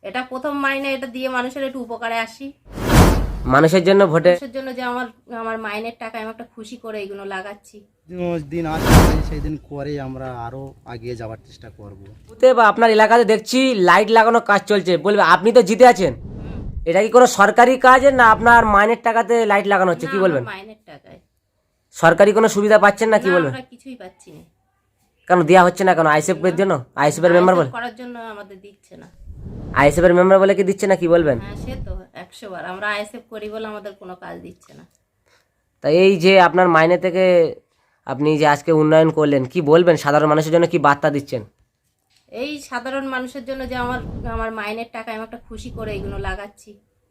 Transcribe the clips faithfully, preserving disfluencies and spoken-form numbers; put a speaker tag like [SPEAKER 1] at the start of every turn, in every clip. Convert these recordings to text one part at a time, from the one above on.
[SPEAKER 1] এটা প্রথম মাইনে, এটা দিয়ে মানুষের একটু উপকারে আসি।
[SPEAKER 2] মানুষের জন্য ভোটে
[SPEAKER 1] মানুষের জন্য যে আমার আমার মাইনের টাকা আমি একটা খুশি করে এগুলো লাগাচ্ছি।
[SPEAKER 3] দিন আসবে সেই দিন করে আমরা আরো এগিয়ে যাওয়ার চেষ্টা করব।
[SPEAKER 2] বুথে বা আপনার এলাকাতে দেখছি লাইট লাগানোর কাজ চলছে, বলবে আপনি তো জিতে আছেন, এটা কি কোনো সরকারি কাজ না আপনার মাইনের টাকাতে লাইট লাগানো হচ্ছে, কি
[SPEAKER 1] না,
[SPEAKER 2] বলবেন?
[SPEAKER 1] আমার মাইনের টাকায়।
[SPEAKER 2] সরকারি কোনো সুবিধা পাচ্ছেন না, কি
[SPEAKER 1] না,
[SPEAKER 2] বলবেন?
[SPEAKER 1] আমরা কিছুই পাচ্ছি না।
[SPEAKER 2] কেন দেওয়া হচ্ছে না কেন? আইএসএফ এর জন্য, আইএসএফ এর মেম্বার বলে,
[SPEAKER 1] আইএসএফ করার জন্য আমাদের দিচ্ছে না।
[SPEAKER 2] আইএসএফ এর মেম্বার বলে কি দিচ্ছে না, কি বলবেন?
[SPEAKER 1] হ্যাঁ, সে তো একশো বার আমরা আইএসএফ করি বলে আমাদের কোনো কাজ দিচ্ছে না।
[SPEAKER 2] তাই এই যে আপনার মাইনে থেকে আপনি যে আজকে উন্নয়ন করলেন, কি বলবেন? সাধারণ মানুষের জন্য কি বার্তা দিচ্ছেন?
[SPEAKER 1] এই সাধারণ মানুষের জন্য যে আমার আমার মাইনের টাকা আমি একটা খুশি করে এগুলো লাগাচ্ছি।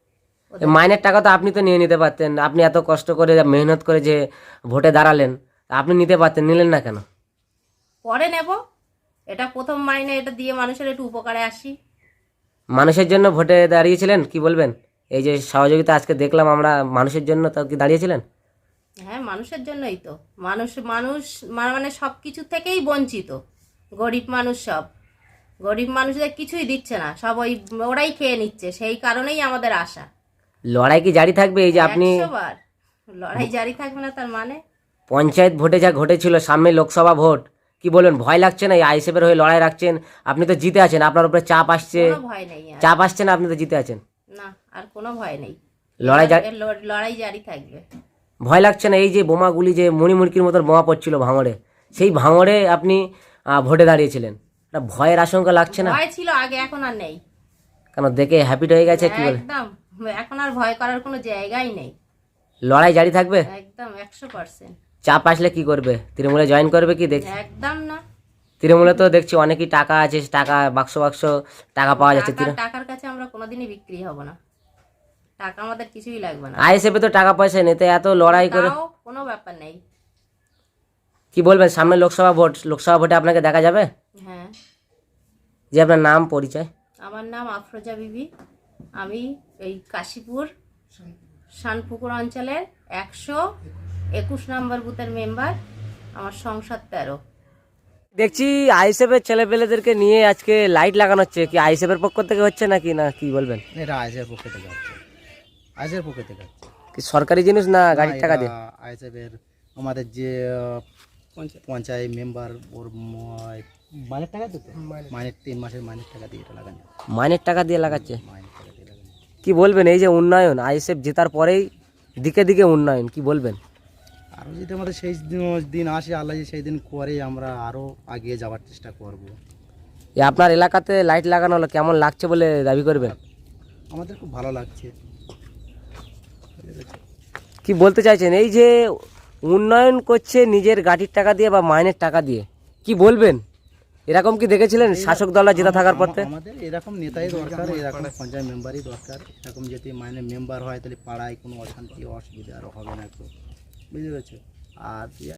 [SPEAKER 2] এই মাইনের টাকা তো আপনি তো নিয়ে নিতে পারতেন, আপনি এত কষ্ট করে মেহনত করে যে ভোটে দাঁড়ালেন, তা আপনি নিতে পারতেন, নিলেন না কেন?
[SPEAKER 1] পরে নেব, এটা প্রথম মাইনে, এটা দিয়ে মানুষের একটু উপকারে আসি।
[SPEAKER 2] মানুষের জন্য ভোটে দাঁড়িয়েছিলেন, কি বলবেন? এই যে সহযোগিতা আজকে দেখলাম আমরা, মানুষের জন্য তো কি দাঁড়িয়েছিলেন?
[SPEAKER 1] হ্যাঁ, মানুষের জন্যই তো। মানুষ মানুষ মানে সব কিছু থেকেই বঞ্চিত, গরিব মানুষ সব। গরিব মানুষদের কিছুই দিচ্ছে না, সব ওই ওরাই খেয়ে নিচ্ছে, সেই কারণেই আমাদের আশা।
[SPEAKER 2] লড়াই কি জারি থাকবে? এই যে আপনি
[SPEAKER 1] একশো বার লড়াই জারি থাকবে না তার মানে?
[SPEAKER 2] পঞ্চায়েত ভোটে যা ঘটেছিল, সামনে লোকসভা ভোট, কি বলবেন? ভয় লাগছে না? এই আইএসএফের হয়ে লড়াই রাখছেন, আপনি তো জিতে আছেন, আপনার উপরে চাপ আসছে,
[SPEAKER 1] কোনো ভয় নেই আর।
[SPEAKER 2] চাপ আসছে না? আপনি তো জিতে আছেন,
[SPEAKER 1] না, আর কোনো ভয় নেই।
[SPEAKER 2] লড়াই জারি-
[SPEAKER 1] এর ল- লড়াই জারি থাকবে।
[SPEAKER 2] ভয় লাগছে না? এই যে বোমাগুলি, যে মণিমুরকির মতন বোমা পড়ছিল ভাঙড়ে, সেই ভাঙড়ে আপনি আহ, ভোটে দাঁড়িয়েছিলেন, একটা ভয়ের আশঙ্কা লাগছে না?
[SPEAKER 1] ভয় ছিল আগে, এখন আর নেই।
[SPEAKER 2] কেন দেখে হ্যাপিট হয়ে গেছে, কি বলে?
[SPEAKER 1] একদম, এখন আর ভয় করার কোনো জায়গাই নেই।
[SPEAKER 2] লড়াই জারি থাকবে?
[SPEAKER 1] একদম একশো পার্সেন্ট।
[SPEAKER 2] চাপ আসলে কি করবে? তৃণমূলে জয়েন করবে কি? দেখ,
[SPEAKER 1] একদম না।
[SPEAKER 2] তৃণমূলে তো দেখছি অনেকই টাকা আছে, টাকা বাক্স বাক্স টাকা পাওয়া যাচ্ছে।
[SPEAKER 1] টাকা- টাকার কাছে আমরা কোনোদিনই বিক্রি হব না, টাকা আমাদের কিছুই লাগবে না।
[SPEAKER 2] আইএসএফে তো টাকা পয়সা নেই, তো এত লড়াই করে
[SPEAKER 1] তাও কোনো ব্যাপার নেই।
[SPEAKER 2] কি বলবেন? সামনে লোকসভা ভোট, লোকসভা ভোটে আপনাকে দেখা যাবে?
[SPEAKER 1] হ্যাঁ,
[SPEAKER 2] যে আপনার নাম পরিচয়।
[SPEAKER 1] আমার নাম আফরোজা বিবি, আমি এই কাশীপুর শানপুকুর অঞ্চলের একশো একুশ নম্বর বুথের মেম্বার, আমার সংসদ তেরো।
[SPEAKER 2] দেখছি আইএসএফ এর ছেলেপেলেদেরকে নিয়ে আজকে লাইট লাগানো হচ্ছে, কি আইএসএফ এর পক্ষ থেকে হচ্ছে নাকি, না কি বলবেন?
[SPEAKER 3] এটা আইসের পক্ষে থেকে হচ্ছে, আইসের পক্ষে থেকে হচ্ছে।
[SPEAKER 2] কি সরকারি জিনিস না গাড়ির টাকা দিয়ে?
[SPEAKER 3] আইসের আমাদের যে আহ, পঞ্চায়েত মেম্বার ওর ম- মাইনের টাকা দিতে, মাইনের তিন মাসের মাইনের টাকা দিয়ে এটা লাগানো,
[SPEAKER 2] মাইনের টাকা দিয়ে লাগাচ্ছে।
[SPEAKER 3] মাইনের টাকা দিয়ে লাগানো।
[SPEAKER 2] কি বলবেন? এই যে উন্নয়ন, আইএসএফ জেতার পরেই দিকে দিকে উন্নয়ন, কি বলবেন?
[SPEAKER 3] আরও যদি আমাদের সেই দিন- দিন আসে, আল্লাহ যদি সেই দিন করে আমরা আরও এগিয়ে যাওয়ার চেষ্টা করব।
[SPEAKER 2] এই আপনার এলাকাতে লাইট লাগানো হলো, কেমন লাগছে বলে দাবি করবেন?
[SPEAKER 3] আমাদের খুব ভালো লাগছে।
[SPEAKER 2] কি বলতে চাইছেন? এই যে উন্নয়ন করছে নিজের গাড়ির টাকা দিয়ে বা মাইনের টাকা দিয়ে, কি বলবেন? এরকম কি দেখেছিলেন শাসক দলরা জেতা থাকার পর থেকে?
[SPEAKER 3] আমাদের এরকম নেতাই দরকার, এরকম পঞ্চায়েত মেম্বারই দরকার। এরকম যদি মাইনে মেম্বার হয় তাহলে পাড়ায় কোনো অশান্তি অসুবিধা আরও হবে না, একটু বুঝতে পেরেছো? আর